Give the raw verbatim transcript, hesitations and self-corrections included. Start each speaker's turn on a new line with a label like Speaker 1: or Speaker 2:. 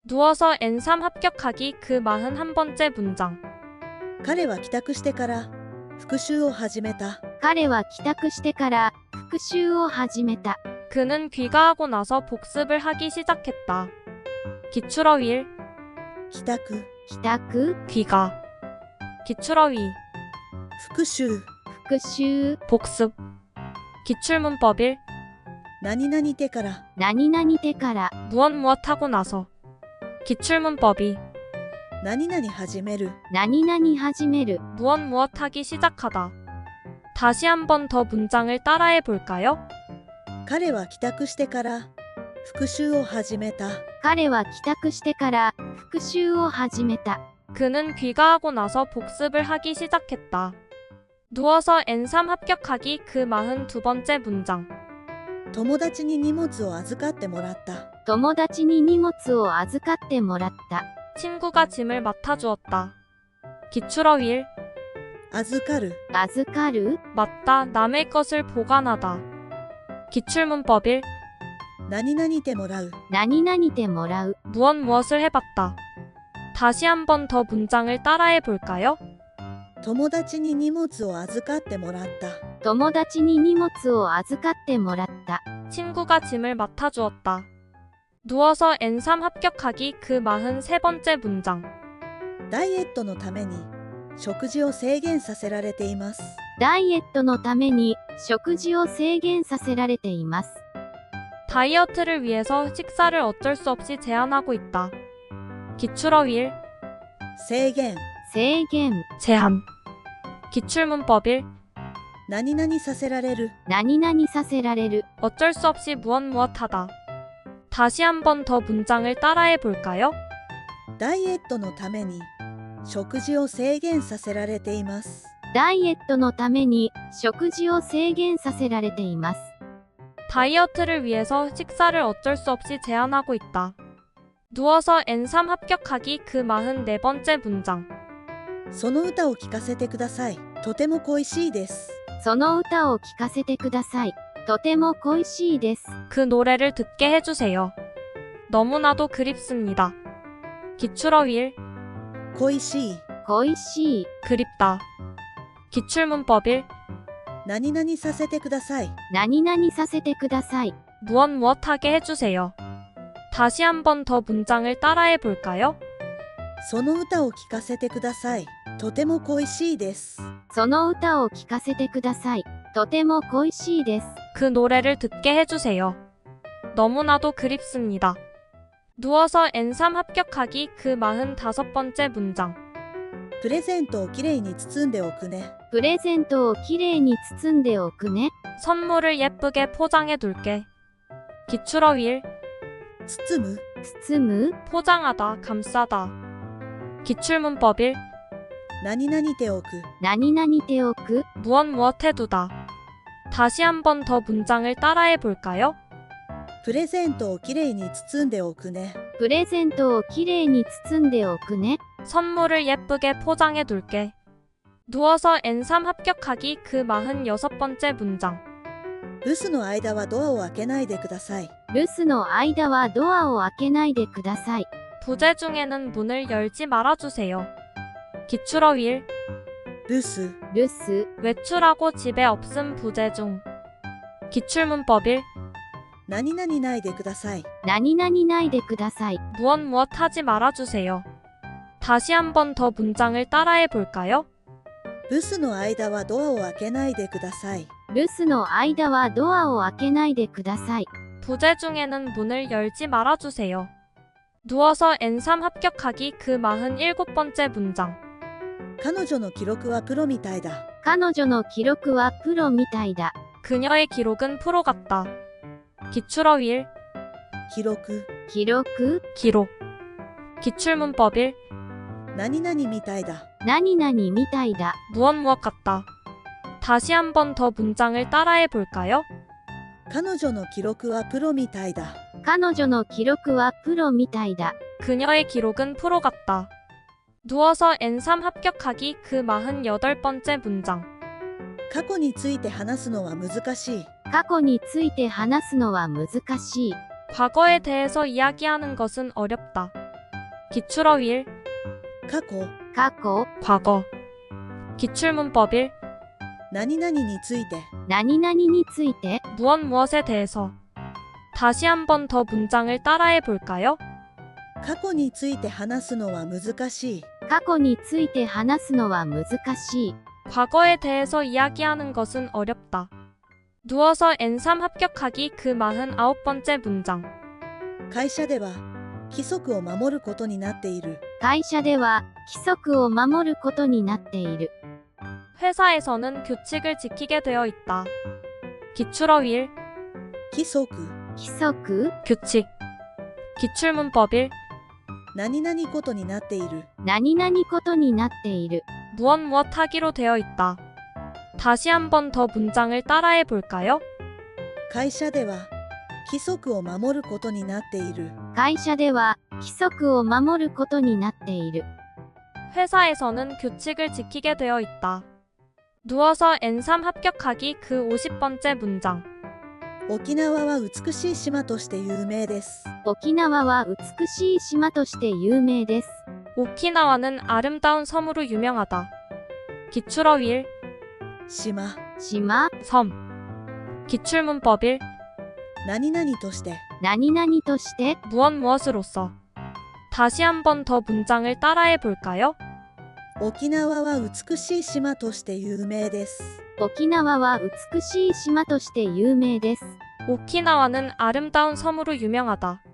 Speaker 1: 누워서 엔 삼 합격하기 그 마흔한 번째 문장.
Speaker 2: 彼は帰宅してから復習を始めた。
Speaker 3: 彼は帰宅してから復習を始めた。
Speaker 1: 그는 귀가하고 나서 복습을 하기 시작했다. 기출어휘
Speaker 2: 帰宅、
Speaker 3: 帰宅、
Speaker 1: 귀가. 기출어휘
Speaker 2: 復習、
Speaker 3: 復習、
Speaker 1: 복습. 기출문법일
Speaker 2: 何々てから、
Speaker 3: 何々てから、
Speaker 1: 무엇 무엇 하고 나서. 기출문법이
Speaker 2: 何々始める、
Speaker 3: 何々始める。
Speaker 1: 무엇 무엇 하기 시작하다. 다시 한 번 더 문장을 따라해 볼까요?
Speaker 2: 彼は帰宅してから復習を始めた。
Speaker 3: 彼は帰宅してから復習を始めた。
Speaker 1: 그는 귀가하고 나서 복습을 하기 시작했다. 누워서 엔 삼 합격하기 그 마흔두 번째 문장.
Speaker 2: 友達に荷物を預かってもらった。
Speaker 3: 友達に荷物を預かってもらった。
Speaker 1: 친구가 짐을 맡아주었다. 기출어휘
Speaker 2: 預かる、
Speaker 3: 預かる、
Speaker 1: 맞다. 남의 것을 보관하다. 기출문법일
Speaker 2: 何々てもらう、
Speaker 3: 何々てもらう。
Speaker 1: 무엇 무엇을 해봤다. 다시 한 번 더 문장을 따라해 볼까요?
Speaker 2: 友達に荷物を預かってもらった。
Speaker 3: 友達に荷物を預かってもらった。
Speaker 1: 친구가 짐을 맡아주었다. 누워서 엔 삼 합격하기 그 마흔세 번째 문장.
Speaker 2: ダイエットのために食事を制限させられています。
Speaker 3: ダイエットのために食事を制限させられています。
Speaker 1: 다이어트를 위해서 식사를 어쩔 수 없이 제한하고 있다. 기출어휘
Speaker 2: 制限、
Speaker 3: 制限、
Speaker 1: 제한. 기출문법일
Speaker 2: 何々させられる、
Speaker 3: 何々させられる。
Speaker 1: 어쩔 수 없이 무엇 무엇 하다. 다시 한 번 더 문장을 따라해 볼까요?
Speaker 2: ダイエットのために食事を制限させられています。
Speaker 3: ダイエットのために食事を制限させられています。
Speaker 1: 다이어트를 위해서 식사를 어쩔 수 없이 제한하고 있다. 누워서 엔 삼 합격하기 그 마흔네 번째 문장.
Speaker 2: その歌を聴かせてください。とても恋しいです。
Speaker 3: その歌を聴かせてください。とても恋しいです。
Speaker 1: 그 노래를 듣게 해주세요. 너무나도 그립습니다. 기출어휘
Speaker 2: 恋しい、
Speaker 3: 恋しい、
Speaker 1: 그립다. 기출문법일
Speaker 2: 何々させてください。
Speaker 3: 何々させてください。
Speaker 1: 무엇 무엇 하게 해주세요. 다시 한 번 더 문장을 따라해 볼까요?
Speaker 2: その歌を聴かせてください。とても恋しいです。
Speaker 3: その歌を聴かせてください。とても恋しいです。
Speaker 1: 그 노래를 듣게 해주세요. 너무나도 그립습니다. 누워서 엔 삼 합격하기 그 마흔다섯 번째 문장.
Speaker 2: プレゼントをきれいに包んでおくね。
Speaker 3: プレゼントをきれいに包んでおくね。
Speaker 1: 선물을 예쁘게 포장해 둘게. 기출어휘
Speaker 2: 包む、
Speaker 3: 包む、
Speaker 1: 포장하다, 감싸다. 기출문법일
Speaker 2: 何々ておく、
Speaker 3: 何々ておく、
Speaker 1: 무엇 무엇 해두다. 다시 한 번 더 문장을 따라해 볼까요?
Speaker 2: プレゼントをきれいに包んでおくね。
Speaker 3: プレゼントをきれいに包んでおくね。
Speaker 1: 선물을 예쁘게 포장해 둘게. 누워서 엔 삼 합격하기 그 마흔여섯 번째 문장.
Speaker 2: 留守の間はドアを開けないでください。
Speaker 3: 留守の間はドアを開けないでください。
Speaker 1: 부재 중에는 문을 열지 말아주세요. 기출어휘
Speaker 2: 留守、
Speaker 3: 留守、
Speaker 1: 외출하고 집에 없음 부재 중. 기출문법일
Speaker 2: 何々ないでください。
Speaker 3: 何々ないでください。
Speaker 1: 무엇 무엇 하지 말아주세요. 다시 한 번 더 문장을 따라해 볼까요?
Speaker 2: 留守の間はドアを開けないでください。
Speaker 3: 留守の間はドアを開けないでください。
Speaker 1: 부재 중에는 문을 열지 말아주세요. 누워서 엔 삼 합격하기 그 마흔일곱 번째 문장.
Speaker 2: 彼女の記録はプロみたいだ。
Speaker 3: 彼女の記録はプロみたいだ。
Speaker 1: 그녀의 기록은 프로 같다. 기출어휘
Speaker 2: 記録、
Speaker 3: 記録、
Speaker 1: 기록. 기출문법일
Speaker 2: 何々みたいだ。
Speaker 3: 何々みたいだ。
Speaker 1: 무엇 무엇 같다. 다시 한 번 더 문장을 따라해 볼까요?
Speaker 2: 彼女の記録はプロみたいだ。
Speaker 3: 彼女の記録はプロみたいだ。
Speaker 1: 그녀의 기록은 프로 같다. 누워서 엔 삼 합격하기 그 마흔여덟 번째 문장.
Speaker 2: 過去について話すのは難しい。
Speaker 3: 過去について話すのは難しい。
Speaker 1: 과거에 대해서 이야기하는 것은 어렵다. 기출어 일,
Speaker 2: 過去、
Speaker 3: 過去、
Speaker 1: 과거. 기출문법 일,
Speaker 2: 何々について、
Speaker 3: 何々について、
Speaker 1: 무엇 무엇에 대해서. 다시 한 번 더 문장을 따라해 볼까요?
Speaker 2: 過去について話すのは難しい。
Speaker 3: 過去について話すのは難しい。
Speaker 1: 과거에 대해서 이야기하는 것은 어렵다. 누워서 엔 삼 합격하기 그 마흔아홉 번째 문장.
Speaker 2: 会社では規則を守ることになっている。
Speaker 3: 会社では規則を守ることになっている。
Speaker 1: 회사에서는 규칙을 지키게 되어 있다. 기출어 일,
Speaker 2: 規則、
Speaker 3: 規則、
Speaker 1: 규칙. 기출문법 일,
Speaker 2: 何々ことになっている。
Speaker 3: 何々ことになっている。
Speaker 1: 무엇 무엇 하기로 되어 있다. 다시 한 번 더 문장을 따라해 볼까요?
Speaker 2: 会社では規則を守ることになっている。
Speaker 3: 会社では規則を守ることになっている。
Speaker 1: 회사에서는 규칙을 지키게 되어 있다. 누워서 엔 삼 합격하기 그 오십 번째 문장.
Speaker 2: 沖縄は美しい島として有名です。
Speaker 3: 沖縄は美しい島として有名です。
Speaker 1: 오키나와는 아름다운 섬으로 유명하다. 기출어 일,
Speaker 2: 島、
Speaker 3: 島、
Speaker 1: 섬. 기출문법 일,
Speaker 2: 何々として、
Speaker 3: 何々として、
Speaker 1: 무엇 무엇으로써. 다시 한 번 더 문장을 따라해 볼까요?
Speaker 2: 沖縄は美しい島として有名です。
Speaker 3: 沖縄は美しい島として有名です。
Speaker 1: 오키나와는 아름다운 섬으로 유명하다.